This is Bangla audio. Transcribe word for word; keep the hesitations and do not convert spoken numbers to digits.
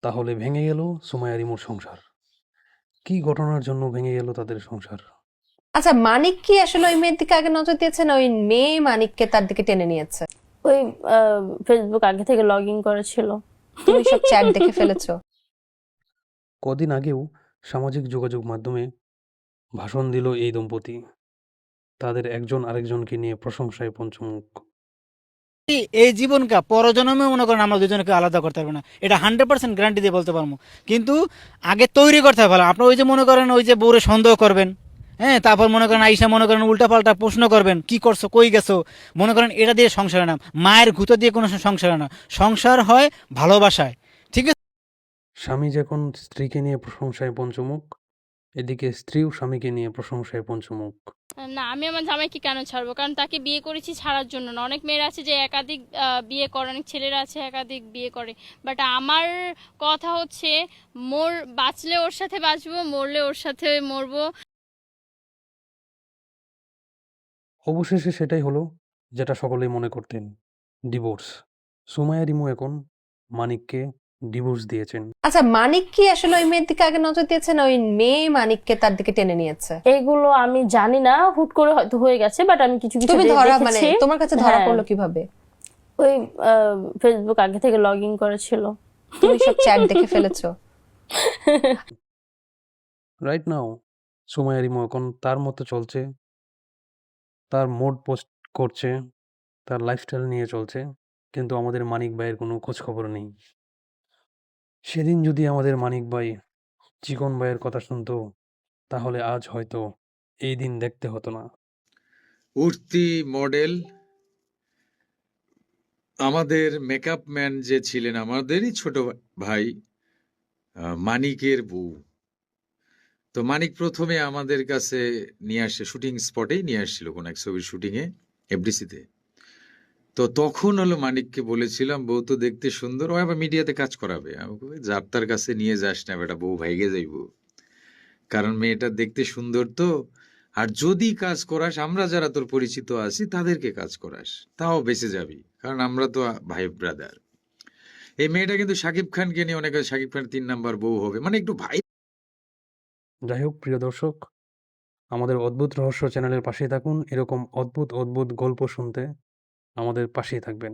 তাহলে ভেঙে গেল সুমাইয়া রিমুর সংসার। কি ঘটনার জন্য ভেঙে গেল তাদের সংসার? আচ্ছা, মানিক কি আসলে ওই মেয়ের দিকে আগে নজর দিয়েছে, না ওই মেয়ে মানিককে তার দিকে টেনে নিয়েছে? ওই ফেসবুক আগে থেকে লগ ইন করেছিল। তুমি সব চ্যাট দেখে ফেলেছো? কদিন আগেও সামাজিক যোগাযোগ মাধ্যমে ভাষণ দিল এই দম্পতি। তাদের একজন আরেকজনকে নিয়ে প্রশংসায় পঞ্চমুখ। এই জীবনকে পরজন্মে মনে করেন আমরা দুজনকে আলাদা করতে পারবো না, এটা হান্ড্রেড পার্সেন্ট গ্যারান্টি দিয়ে বলতে পারবো। কিন্তু আগে তৈরি করতে হবে ভালো। আপনি ওই যে মনে করেন ওই যে বউরে সন্দেহ করবেন, হ্যাঁ, তারপর মনে করেন আইসা মনে করেন উল্টাপাল্টা প্রশ্ন করবেন, কি করছো, কই গেছো, মনে করেন এটা দিয়ে সংসার না, মায়ের গুঁতো দিয়ে কোনো সংসার না। সংসার হয় ভালোবাসায়, ঠিক আছে? স্বামী যখন স্ত্রীকে নিয়ে প্রশংসায় পঞ্চমুখ, এদিকে স্ত্রীও স্বামীকে নিয়ে প্রশংসায় পঞ্চমুখ। না, আমি আমার জামাইকে কেন ছাড়বো? কারণ তাকে বিয়ে করেছি ছাড়ার জন্য না। অনেক মেয়েরা আছে যে একাধিক আহ, বিয়ে করে, অনেক ছেলেরা আছে একাধিক বিয়ে করে। বাট আমার কথা হচ্ছে, মোর বাঁচলে ওর সাথে বাঁচবো, মরলে ওর সাথে মরবো। অবশেষে সেটাই হলো যেটা সকলেই মনে করতেন, ডিভোর্স। সুমাইয়া রিমু এখন মানিককে ডিভোর্স দিয়েছেন। আচ্ছা, মানিক কি আসলে ওই মেয়ের দিকে আগে নজর দিয়েছে, না ওই মেয়ে মানিককে তার দিকে টেনে নিয়েছে? এইগুলো আমি জানি না, হুট করে হয়তো হয়ে গেছে, বাট আমি কিছু কিছু তুমি দে- ধরা মানে দেখেছি। তোমার কাছে ধরা হ্যাঁ। পড়লো কিভাবে? ওই ফেসবুক আগে থেকে লগ ইন করেছিল। তুমি সব চ্যাট দেখে ফেলেছো? রাইট নাও সুমাইয়া রিমু এখন তার মতো চলছে, তার মোড পোস্ট করছে, তার লাইফস্টাইল নিয়ে চলছে, কিন্তু আমাদের মানিক ভাইয়ের কোনো খোঁজ খবর নেই। সেদিন যদি আমাদের মানিক ভাই চিকন ভাইয়ের কথা শুনতো, তাহলে আজ হয়তো এই দিন দেখতে হতো না। উঠতি মডেল আমাদের মেকআপ ম্যান যে ছিলেন আমাদেরই ছোট ভাই আহ, মানিকের বউ। তো মানিক প্রথমে আমাদের কাছে নিয়ে আসে, শুটিং স্পটেই নিয়ে আসছিল কোন এক ছবির শুটিংয়ে এফডিসিতে। তো তখন হলো মানিককে বলেছিলাম, বউ তো দেখতে সুন্দর, ও আবার মিডিয়াতে কাজ করাবে। আমি বলি, যার তার কাছে নিয়ে যাস না বেটা, বউ ভাইগে যাইব, কারণ মেয়েটা দেখতে সুন্দর তো। আর যদি কাজ করাস, আমরা যারা তোর পরিচিত আছি তাদেরকে কাজ করাস, তাও বেঁচে যাবি, কারণ আমরা তো ভাই ব্রাদার। এই মেয়েটা কিন্তু শাকিব খানকে নিয়ে অনেকে শাকিব খান তিন নাম্বার বউ হবে, মানে একটু ভাই। যাই হোক প্রিয় দর্শক, আমাদের অদ্ভুত রহস্য চ্যানেলের পাশেই থাকুন। এরকম অদ্ভুত অদ্ভুত গল্প শুনতে আমাদের পাশেই থাকবেন।